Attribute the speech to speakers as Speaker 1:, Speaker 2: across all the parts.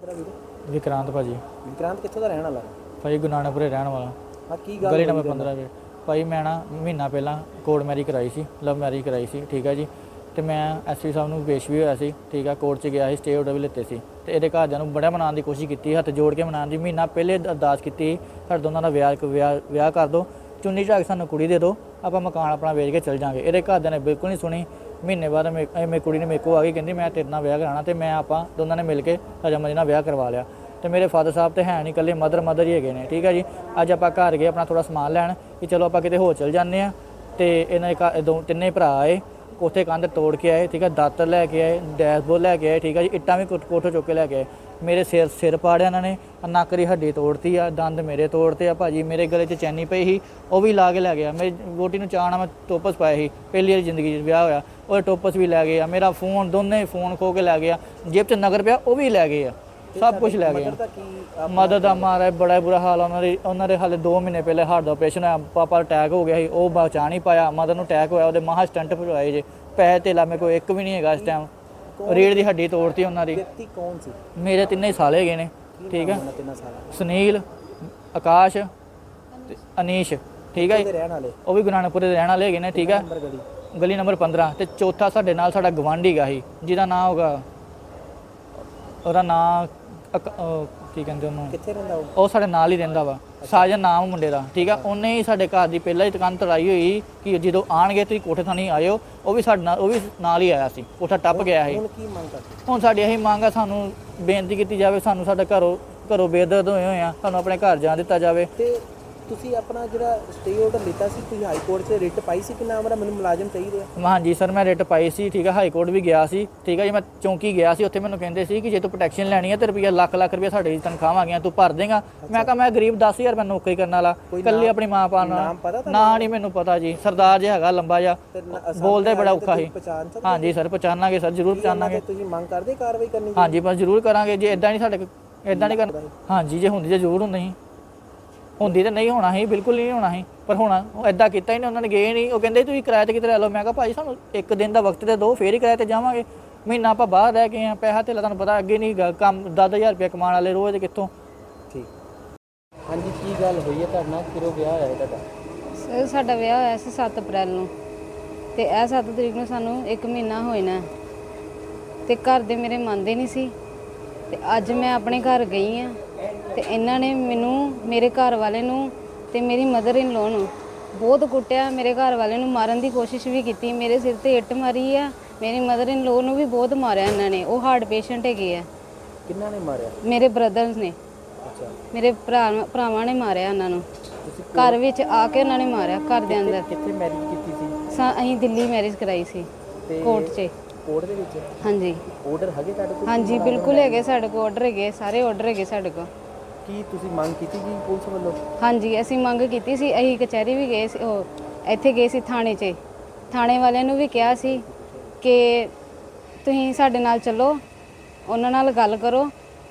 Speaker 1: ਤੇਰਾ ਵੀਰ?
Speaker 2: ਵਿਕਰਾਂਤ ਭਾਜੀ।
Speaker 1: ਵਿਕਰਾਂਤ ਕਿੱਥੋਂ ਦਾ ਰਹਿਣ ਵਾਲਾ?
Speaker 2: ਭਾਈ ਗੁਰੂ ਨਾਨਕਪੁਰੇ ਰਹਿਣ ਵਾਲਾ।
Speaker 1: ਹਾਂ, ਕੀ ਗੱਲ
Speaker 2: ਗਲੀ ਨੰਬਰ 15 ਦੇ। ਭਾਈ ਮੈਂ ਨਾ ਮਹੀਨਾ ਪਹਿਲਾਂ ਕੋਰਟ ਮੈਰਿਜ ਕਰਾਈ ਸੀ, ਲਵ ਮੈਰਿਜ ਕਰਾਈ ਸੀ, ਠੀਕ ਹੈ ਜੀ। ਤੇ ਮੈਂ ਐਸਪੀ ਸਾਹਿਬ ਨੂੰ ਪੇਸ਼ ਵੀ ਹੋਇਆ ਸੀ, ਠੀਕ ਆ। ਕੋਰਟ 'ਚ ਗਿਆ ਸੀ, ਸਟੇ ਆਰਡਰ ਵੀ ਲਿੱਤੇ ਸੀ। ਤੇ ਇਹਦੇ ਘਰਦਿਆਂ ਨੂੰ ਬੜਾ ਮਨਾਉਣ ਦੀ ਕੋਸ਼ਿਸ਼ ਕੀਤੀ, ਹੱਥ ਜੋੜ ਕੇ ਮਨਾਉਣ ਦੀ। ਮਹੀਨਾ ਪਹਿਲੇ ਅਰਦਾਸ ਕੀਤੀ, ਸਾਡੇ ਦੋਨਾਂ ਦਾ ਵਿਆਹ ਕਰ ਦਿਓ, ਚੁੰਨੀ ਝਾਕ ਸਾਨੂੰ ਕੁੜੀ ਦੇ ਦਿਓ, ਆਪਾਂ ਮਕਾਨ ਆਪਣਾ ਵੇਚ ਕੇ ਚੱਲ ਜਾਵਾਂਗੇ। ਇਹਦੇ ਘਰਦਿਆਂ ਨੇ ਬਿਲਕੁਲ ਨਹੀਂ ਸੁਣੀ। ਮਹੀਨੇ ਬਾਅਦ ਮੇਰੀ ਕੁੜੀ ਨੇ ਮੇਰੇ ਕੋਲ ਆ ਕੇ ਕਹਿੰਦੀ ਮੈਂ ਤੇਰੇ ਨਾਲ ਵਿਆਹ ਕਰਾਉਣਾ, ਤੇ ਮੈਂ ਆਪਾਂ ਦੋਨਾਂ ਨੇ ਮਿਲ ਕੇ ਰਜਾਮੰਦੀ ਨਾਲ ਵਿਆਹ ਕਰਵਾ ਲਿਆ। ਤੇ ਮੇਰੇ ਫਾਦਰ ਸਾਹਿਬ ਤੇ ਹੈ ਨਹੀਂ, ਇਕੱਲੇ ਮਦਰ ਹੀ ਹੈਗੇ ਨੇ, ਠੀਕ ਹੈ ਜੀ। ਅੱਜ ਆਪਾਂ ਘਰ ਗਏ ਆਪਣਾ ਥੋੜ੍ਹਾ ਸਮਾਨ ਲੈਣ ਕਿ ਚਲੋ ਆਪਾਂ ਕਿਤੇ ਹੋਰ ਚੱਲ ਜਾਂਦੇ ਹਾਂ। ਤੇ ਇਹਨਾਂ ਦੇ ਤਿੰਨੇ ਭਰਾ ਆਏ, ਕੋਠੇ ਕੰਧ ਤੋੜ ਕੇ ਆਏ, ਠੀਕ ਹੈ। ਦਾਤਰ ਲੈ ਕੇ ਆਏ, ਡੈਸ਼ਬੋਰਡ ਲੈ ਕੇ ਆਏ, ਠੀਕ ਹੈ ਜੀ। ਇੱਟਾਂ ਵੀ ਕੋਠੇ ਚੁੱਕ ਕੇ ਲੈ ਕੇ ਆਏ। ਮੇਰੇ ਸਿਰ ਪਾੜਿਆ ਇਹਨਾਂ ਨੇ, ਨੱਕ ਦੀ ਹੱਡੀ ਤੋੜਤੀ ਆ, ਦੰਦ ਮੇਰੇ ਤੋੜਤੇ ਆ ਭਾਜੀ। ਮੇਰੇ ਗਲੇ 'ਚ ਚੈਨੀ ਪਈ ਸੀ, ਉਹ ਵੀ ਲਾ ਕੇ ਲੈ ਗਿਆ। ਮੇਰੀ ਵੋਟੀ ਨੂੰ ਚਾਅ ਨਾਲ ਮੈਂ ਟੋਪਸ ਪਾਏ ਸੀ, ਪਹਿਲੀ ਵਾਰੀ ਜ਼ਿੰਦਗੀ 'ਚ ਵਿਆਹ ਹੋਇਆ, ਉਹ ਟੋਪਸ ਵੀ ਲੈ ਗਏ ਆ। ਮੇਰਾ ਫੋਨ, ਦੋਨੇ ਫੋਨ ਖੋ ਕੇ ਲੈ ਗਿਆ। ਜੇਬ 'ਚ ਨਗਰ ਪਿਆ, ਉਹ ਵੀ ਲੈ ਗਏ ਆ, ਸਭ ਕੁਝ ਲੈ ਗਏ ਆ। ਮਦਦ ਦਾ ਮਾਰਾ ਬੜਾ ਬੁਰਾ ਹਾਲ ਉਹਨਾਂ ਦੇ ਹਾਲੇ 2 ਮਹੀਨੇ ਪਹਿਲੇ ਹਾਰਟ ਦਾ ਆਪਰੇਸ਼ਨ ਹੋਇਆ, ਪਾਪਾ ਅਟੈਕ ਹੋ ਗਿਆ ਸੀ, ਉਹ ਬਚਾ ਨਹੀਂ ਪਾਇਆ। ਮਦਰ ਨੂੰ ਅਟੈਕ ਹੋਇਆ, ਉਹਦੇ ਮਹਾ ਸਟੰਟ ਭਜਵਾਏ ਜੇ। ਪੈਸੇ ਧੇਲਾ ਮੇਰੇ ਕੋਲ ਇੱਕ ਵੀ ਨਹੀਂ ਹੈਗਾ ਇਸ ਟਾਈਮ। ਰੀੜ ਦੀ ਹੱਡੀ ਤੋੜਤੀ ਉਹਨਾਂ ਦੀ।
Speaker 1: ਵਿਅਕਤੀ ਕੌਣ ਸੀ?
Speaker 2: ਮੇਰੇ ਤਿੰਨੇ ਸਾਲੇ ਹੈਗੇ ਨੇ, ਠੀਕ ਹੈ। ਸੁਨੀਲ, ਆਕਾਸ਼ ਤੇ ਅਨੀਸ਼, ਠੀਕ ਹੈ। ਉਹ ਵੀ ਗੁਰੂ ਨਾਨਕਪੁਰੇ ਦੇ ਰਹਿਣ ਵਾਲੇ ਹੈਗੇ ਨੇ, ਠੀਕ ਹੈ। ਗਲੀ ਨੰਬਰ 15। ਤੇ ਚੌਥਾ ਸਾਡੇ ਨਾਲ ਸਾਡਾ ਗਵਾਂਢੀ ਗਾ ਸੀ, ਜਿਹਦਾ ਨਾਂ ਹੋਗਾ, ਉਹਦਾ ਨਾਂ ਕੀ ਕਹਿੰਦੇ ਉਹਨੂੰ,
Speaker 1: ਕਿੱਥੇ ਰਹਿੰਦਾ
Speaker 2: ਉਹ ਸਾਡੇ ਨਾਲ ਹੀ ਰਹਿੰਦਾ ਵਾ, ਸਾਜਨ ਨਾਮ ਮੁੰਡੇ ਦਾ, ਠੀਕ ਆ। ਉਹਨੇ ਹੀ ਸਾਡੇ ਘਰ ਦੀ ਪਹਿਲਾਂ ਹੀ ਦੁਕਾਨ ਤੜਾਈ ਹੋਈ ਕਿ ਜਦੋਂ ਆਣਗੇ ਤੁਸੀਂ ਕੋਠੇ ਥਾਣੀ ਆਇਓ। ਉਹ ਵੀ ਸਾਡੇ ਨਾਲ, ਉਹ ਵੀ ਨਾਲ ਹੀ ਆਇਆ ਸੀ, ਕੋਠਾ ਟੱਪ ਗਿਆ ਸੀ। ਹੁਣ ਸਾਡੀ ਇਹੀ ਮੰਗ ਆ, ਸਾਨੂੰ ਬੇਨਤੀ ਕੀਤੀ ਜਾਵੇ, ਸਾਨੂੰ ਸਾਡਾ ਘਰੋਂ ਬੇਦਰਦ ਹੋਏ ਆ, ਸਾਨੂੰ ਆਪਣੇ ਘਰ ਜਾਣ ਦਿੱਤਾ ਜਾਵੇ।
Speaker 1: ਤੇ ਤੁਸੀਂ ਆਪਣਾ ਜਿਹੜਾ ਸਟੇ ਆਰਡਰ ਲਿੱਤਾ ਸੀ, ਤੁਸੀਂ ਹਾਈ ਕੋਰਟ 'ਚ ਰਿਟ ਪਾਈ ਸੀ ਕਿ ਨਾ ਮੇਰਾ ਮੈਨੂੰ ਮੁਲਾਜ਼ਮ ਚਾਹੀਦੇ ਆ?
Speaker 2: ਹਾਂਜੀ ਸਰ, ਮੈਂ ਰਿਟ ਪਾਈ ਸੀ, ਠੀਕ ਹੈ। ਹਾਈ ਕੋਰਟ ਵੀ ਗਿਆ ਸੀ, ਠੀਕ ਹੈ ਜੀ। ਮੈਂ ਚੌਂਕੀ ਗਿਆ ਸੀ, ਉੱਥੇ ਮੈਨੂੰ ਕਹਿੰਦੇ ਸੀ ਕਿ ਜੇ ਤੂੰ ਪ੍ਰੋਟੈਕਸ਼ਨ ਲੈਣੀ ਹੈ ਤੇ ਰੁਪਈਆ ਲੱਖ ਰੁਪਈਆ ਸਾਡੇ ਤਨਖਾਹਾਂ ਆ ਗਈਆਂ, ਤੂੰ ਭਰ ਦੇਗਾ। ਮੈਂ ਕਿਹਾ ਮੈਂ ਗਰੀਬ 10,000 ਮੈਂ ਨੌਕਰੀ ਕਰਨ ਵਾਲਾ, ਇਕੱਲੀ ਆਪਣੀ ਮਾਂ ਪਾਣ ਨਾਲ। ਨਾ ਨਹੀਂ ਮੈਨੂੰ ਪਤਾ ਜੀ, ਸਰਦਾਰ ਜਿਹਾ ਹੈਗਾ ਲੰਬਾ ਜਿਹਾ, ਬੋਲਦਾ ਬੜਾ ਔਖਾ ਸੀ। ਹਾਂਜੀ ਸਰ, ਪਛਾਣਾਂਗੇ ਸਰ, ਜ਼ਰੂਰ ਪਛਾਣਾਂਗੇ।
Speaker 1: ਤੁਸੀਂ ਮੰਗ ਕਰਦੇ ਕਾਰਵਾਈ ਕਰਨੀ?
Speaker 2: ਹਾਂਜੀ ਬਸ ਜ਼ਰੂਰ ਕਰਾਂਗੇ। ਜੇ ਇਦਾਂ ਨਹੀਂ ਸਾਡੇ ਇਦਾਂ ਨਹੀਂ ਕਰਨਾ, ਹਾਂਜੀ ਜੇ ਹੁੰਦੀ ਤਾਂ ਜ਼ਰੂਰ ਹੁੰਦੀ ਤਾਂ ਨਹੀਂ ਹੋਣਾ ਸੀ, ਬਿਲਕੁਲ ਨਹੀਂ ਹੋਣਾ ਸੀ। ਪਰ ਹੋਣਾ ਇਦਾਂ ਕੀਤਾ ਹੀ ਨਹੀਂ, ਉਹਨਾਂ ਨੇ ਗਏ ਨਹੀਂ। ਉਹ ਕਹਿੰਦੇ ਤੁਸੀਂ ਕਿਰਾਏ 'ਤੇ ਕਿਤੇ ਲੈ ਲਓ। ਮੈਂ ਕਿਹਾ ਭਾਈ ਸਾਨੂੰ ਇੱਕ ਦਿਨ ਦਾ ਵਕਤ ਤੇ ਦਿਓ, ਫੇਰ ਹੀ ਕਿਰਾਏ 'ਤੇ ਜਾਵਾਂਗੇ। ਮਹੀਨਾ ਆਪਾਂ ਬਾਹਰ ਰਹਿ ਗਏ ਹਾਂ, ਪੈਸਾ ਧੇਲਾ ਤੁਹਾਨੂੰ ਪਤਾ ਅੱਗੇ ਨਹੀਂ ਕੰਮ, 10,000 ਰੁਪਇਆ ਕਮਾਉਣ ਵਾਲੇ ਰੋਜ਼ ਕਿੱਥੋਂ।
Speaker 1: ਠੀਕ। ਹਾਂਜੀ, ਕੀ ਗੱਲ ਹੋਈ ਹੈ ਤੁਹਾਡੇ ਨਾਲ? ਕਿਰੋ ਵਿਆਹ ਹੋਇਆ ਤੁਹਾਡਾ?
Speaker 3: ਸਰ ਸਾਡਾ ਵਿਆਹ ਹੋਇਆ ਸੀ 7 ਅਪ੍ਰੈਲ ਨੂੰ, ਤੇ ਇਹ 7 ਤਰੀਕ ਨੂੰ ਸਾਨੂੰ 1 ਮਹੀਨਾ ਹੋਇਆ। ਤੇ ਘਰ ਦੇ ਮੇਰੇ ਮੰਨਦੇ ਨਹੀਂ ਸੀ। ਤੇ ਅੱਜ ਮੈਂ ਆਪਣੇ ਘਰ ਗਈ ਹਾਂ, ਤੇ ਇਹਨਾਂ ਨੇ ਮੈਨੂੰ, ਮੇਰੇ ਘਰ ਵਾਲੇ ਨੂੰ ਤੇ ਮੇਰੀ ਮਦਰ ਇਨ ਲੋ ਨੂੰ ਬਹੁਤ ਕੁੱਟਿਆ। ਮੇਰੇ ਘਰ ਵਾਲੇ ਨੂੰ ਮਾਰਨ ਦੀ ਕੋਸ਼ਿਸ਼ ਵੀ ਕੀਤੀ, ਮੇਰੇ ਸਿਰ ਤੇ ਇੱਟ ਮਾਰੀ ਆ। ਮੇਰੀ ਮਦਰ ਇਨ ਲੋ ਨੂੰ ਵੀ ਬਹੁਤ ਮਾਰਿਆ ਇਹਨਾਂ ਨੇ, ਉਹ ਹਾਰਟ ਪੇਸ਼ੈਂਟ ਹੈਗੇ ਆ।
Speaker 1: ਕਿੰਨਾਂ ਨੇ ਮਾਰਿਆ?
Speaker 3: ਮੇਰੇ ਬ੍ਰਦਰਸ ਨੇ।
Speaker 1: ਅੱਛਾ।
Speaker 3: ਮੇਰੇ ਭਰਾਵਾਂ ਨੇ ਮਾਰਿਆ ਉਹਨਾਂ ਨੂੰ, ਘਰ ਵਿੱਚ ਆ ਕੇ ਉਹਨਾਂ ਨੇ ਮਾਰਿਆ, ਘਰ ਦੇ ਅੰਦਰ।
Speaker 1: ਕਿੱਥੇ ਮੈਰਿਜ ਕੀਤੀ ਸੀ?
Speaker 3: ਅਸੀਂ ਦਿੱਲੀ ਮੈਰਿਜ ਕਰਾਈ ਸੀ, ਕੋਰਟ 'ਚ।
Speaker 1: ਕੋਰਟ ਦੇ ਵਿੱਚ?
Speaker 3: ਹਾਂਜੀ।
Speaker 1: ਆਰਡਰ ਹੈਗੇ ਤੁਹਾਡੇ ਕੋਲ?
Speaker 3: ਹਾਂਜੀ ਬਿਲਕੁਲ ਹੈਗੇ ਸਾਡੇ ਕੋਲ, ਆਰਡਰ ਹੈਗੇ, ਸਾਰੇ ਆਰਡਰ ਹੈਗੇ ਸਾਡੇ ਕੋਲ।
Speaker 1: ਕੀ ਤੁਸੀਂ ਮੰਗ ਕੀਤੀ ਜੀ ਪੁਲਿਸ ਵੱਲੋਂ?
Speaker 3: ਹਾਂਜੀ ਅਸੀਂ ਮੰਗ ਕੀਤੀ ਸੀ, ਅਸੀਂ ਕਚਹਿਰੀ ਵੀ ਗਏ ਸੀ, ਉਹ ਇੱਥੇ ਗਏ ਸੀ ਥਾਣੇ 'ਚ। ਥਾਣੇ ਵਾਲਿਆਂ ਨੂੰ ਵੀ ਕਿਹਾ ਸੀ ਕਿ ਤੁਸੀਂ ਸਾਡੇ ਨਾਲ ਚੱਲੋ, ਉਹਨਾਂ ਨਾਲ ਗੱਲ ਕਰੋ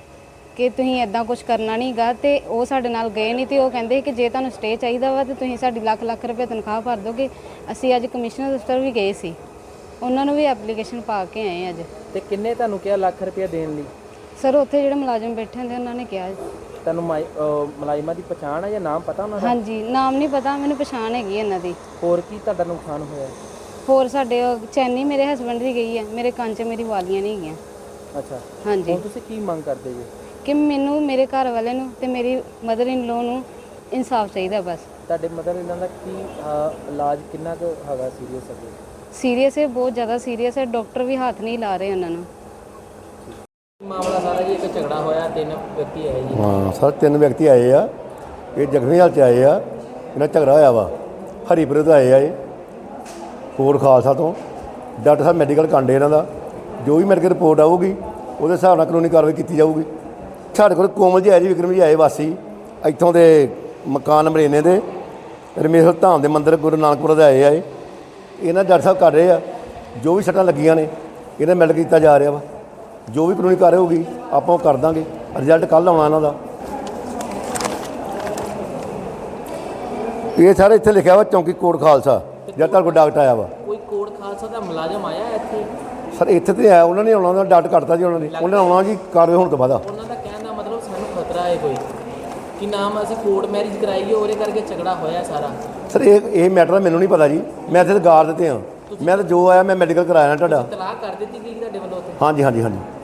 Speaker 3: ਕਿ ਤੁਸੀਂ ਇੱਦਾਂ ਕੁਝ ਕਰਨਾ ਨਹੀਂ ਗਾ। ਤੇ ਉਹ ਸਾਡੇ ਨਾਲ ਗਏ ਨਹੀਂ, ਤੇ ਉਹ ਕਹਿੰਦੇ ਕਿ ਜੇ ਤੁਹਾਨੂੰ ਸਟੇ ਚਾਹੀਦਾ ਵਾ ਤਾਂ ਤੁਸੀਂ ਸਾਡੀ ਲੱਖ ਰੁਪਏ ਤਨਖਾਹ ਭਰ ਦੋਗੇ। ਅਸੀਂ ਅੱਜ ਕਮਿਸ਼ਨਰ ਦਫ਼ਤਰ ਵੀ ਗਏ ਸੀ, ਉਹਨਾਂ ਨੂੰ ਵੀ ਐਪਲੀਕੇਸ਼ਨ ਪਾ ਕੇ ਆਏ ਅੱਜ।
Speaker 1: ਤੇ ਕਿੰਨੇ ਤੁਹਾਨੂੰ ਕਿਹਾ ਲੱਖ ਰੁਪਏ ਦੇਣ ਲਈ?
Speaker 3: ਸਰ ਉੱਥੇ ਜਿਹੜੇ ਮੁਲਾਜ਼ਮ ਬੈਠੇ ਹੁੰਦੇ ਉਹਨਾਂ ਨੇ ਕਿਹਾ।
Speaker 1: ਤੁਹਾਨੂੰ ਮੁਲਾਜ਼ਮਾਂ ਦੀ ਪਛਾਣ ਹੈ ਜਾਂ ਨਾਮ ਪਤਾ ਉਹਨਾਂ ਦਾ?
Speaker 3: ਹਾਂਜੀ ਨਾਮ ਨਹੀਂ ਪਤਾ, ਮੈਨੂੰ ਪਛਾਣ ਹੈਗੀ ਇਹਨਾਂ ਦੀ।
Speaker 1: ਹੋਰ ਕੀ ਤੁਹਾਡਾ ਨੁਕਸਾਨ ਹੋਇਆ?
Speaker 3: ਹੋਰ ਸਾਡੇ ਚੈਨੀ ਮੇਰੇ ਹਸਬੰਡ ਦੀ ਗਈ ਹੈ, ਮੇਰੇ ਕੰਨ 'ਚ ਮੇਰੀ ਵਾਲੀਆਂ ਨਹੀਂ ਹੈਗੀਆਂ।
Speaker 1: ਅੱਛਾ।
Speaker 3: ਹਾਂਜੀ।
Speaker 1: ਹੁਣ ਤੁਸੀਂ ਕੀ ਮੰਗ ਕਰਦੇ ਜੀ?
Speaker 3: ਕਿ ਮੈਨੂੰ, ਮੇਰੇ ਘਰ ਵਾਲੇ ਨੂੰ ਤੇ ਮੇਰੀ ਮਦਰ ਇਨ ਲੋ ਨੂੰ ਇਨਸਾਫ ਚਾਹੀਦਾ ਬਸ।
Speaker 1: ਤੁਹਾਡੇ ਮਦਰ ਇਹਨਾਂ ਦਾ ਕੀ ਇਲਾਜ ਕਿੰਨਾ ਕੁ ਹੈਗਾ ਸੀਰੀਅਸ ਹੈ?
Speaker 3: ਸੀਰੀਅਸ ਹੈ, ਬਹੁਤ ਜ਼ਿਆਦਾ ਸੀਰੀਅਸ ਹੈ, ਡਾਕਟਰ ਵੀ ਹੱਥ ਨਹੀਂ ਲਾ ਰਹੇ ਉਹਨਾਂ ਨੂੰ।
Speaker 1: ਮਾਮਲਾ ਸਾਰਾ ਜੀ, ਇੱਕ ਝਗੜਾ ਹੋਇਆ, 3 ਵਿਅਕਤੀ ਆਏ ਜੀ।
Speaker 4: ਹਾਂ ਸਰ, 3 ਵਿਅਕਤੀ ਆਏ ਆ, ਇਹ ਜ਼ਖਮੀ ਹਾਲਤ 'ਚ ਆਏ ਆ। ਇਹਨਾਂ ਝਗੜਾ ਹੋਇਆ ਵਾ, ਹਰੀਪੁਰ ਤੋਂ ਆਏ ਆ ਇਹ, ਕੋਟ ਖਾਲਸਾ ਤੋਂ। ਡਾਕਟਰ ਸਾਹਿਬ ਮੈਡੀਕਲ ਕਾਂਡੇ ਇਹਨਾਂ ਦਾ, ਜੋ ਵੀ ਮੈਡੀਕਲ ਰਿਪੋਰਟ ਆਊਗੀ ਉਹਦੇ ਹਿਸਾਬ ਨਾਲ ਕਾਨੂੰਨੀ ਕਾਰਵਾਈ ਕੀਤੀ ਜਾਊਗੀ। ਸਾਡੇ ਕੋਲ ਕੋਮਲ ਜੀ ਆਏ ਜੀ, ਵਿਕਰਮ ਜੀ ਆਏ, ਵਾਸੀ ਇੱਥੋਂ ਦੇ ਮਕਾਨ ਨੰਬਰ ਇੰਨੇ ਦੇ ਰਮੇਸ਼ਵਰ ਧਾਮ ਦੇ ਮੰਦਿਰ ਗੁਰੂ ਨਾਨਕਪੁਰ ਦੇ ਆਏ ਆ। ਇਹਨਾਂ ਡਾਕਟਰ ਸਾਹਿਬ ਕਰ ਰਹੇ ਆ, ਜੋ ਵੀ ਸੱਟਾਂ ਲੱਗੀਆਂ ਨੇ ਇਹਨਾਂ ਮੈਡੀਕਲ ਕੀਤਾ ਜਾ ਰਿਹਾ ਵਾ। ਜੋ ਵੀ ਕਾਨੂੰਨੀ ਕਾਰਵਾਈ ਹੋਊਗੀ ਆਪਾਂ ਉਹ ਕਰ ਦਾਂਗੇ। ਰਿਜ਼ਲਟ ਕੱਲ੍ਹ ਆਉਣਾ ਇਹਨਾਂ ਦਾ। ਇਹ ਸਾਰੇ ਇੱਥੇ ਲਿਖਿਆ ਵਾ ਚੌਂਕੀ ਕੋਟ ਖਾਲਸਾ, ਜਦ ਤੱਕ ਕੋਈ ਡਾਕਟਰ ਆਇਆ ਵਾ।
Speaker 1: ਕੋਈ ਕੋਟ ਖਾਲਸਾ ਦਾ ਮੁਲਾਜ਼ਮ ਆਇਆ ਇੱਥੇ?
Speaker 4: ਸਰ ਇੱਥੇ ਤੇ ਆਇਆ, ਉਹਨਾਂ ਨੇ ਆਉਣਾ, ਉਹਨਾਂ ਦਾ ਡਾਕਟਰ ਕੱਟਤਾ ਜੀ ਉਹਨਾਂ ਨੇ। ਉਹਨਾਂ ਨੇ ਆਉਣਾ ਜੀ ਕਾਰਵਾਈ ਹੋਣ ਤੋਂ ਬਾਅਦ।
Speaker 1: ਉਹਨਾਂ ਦਾ ਹੈ ਕੋਈ ਕਿ ਨਾਮ ਅਸੀਂ ਕੋਰਟ ਮੈਰਿਜ ਕਰਾਈਏ ਉਹਦੇ ਕਰਕੇ ਝਗੜਾ ਹੋਇਆ ਸਾਰਾ।
Speaker 4: ਸਰ ਇਹ ਮੈਟਰ ਮੈਨੂੰ ਨਹੀਂ ਪਤਾ ਜੀ, ਮੈਂ ਇੱਥੇ ਗਾਰ ਦਿੱਤੇ ਹਾਂ, ਮੈਂ ਤਾਂ ਜੋ ਆਇਆ ਮੈਂ ਮੈਡੀਕਲ ਕਰਾਇਆ ਨਾ ਤੁਹਾਡਾ।
Speaker 1: ਤਲਾਕ ਕਰ ਦਿੱਤੀ ਗਈ ਤੁਹਾਡੇ ਵੱਲੋਂ ਉੱਥੇ?
Speaker 4: ਹਾਂਜੀ ਹਾਂਜੀ ਹਾਂਜੀ।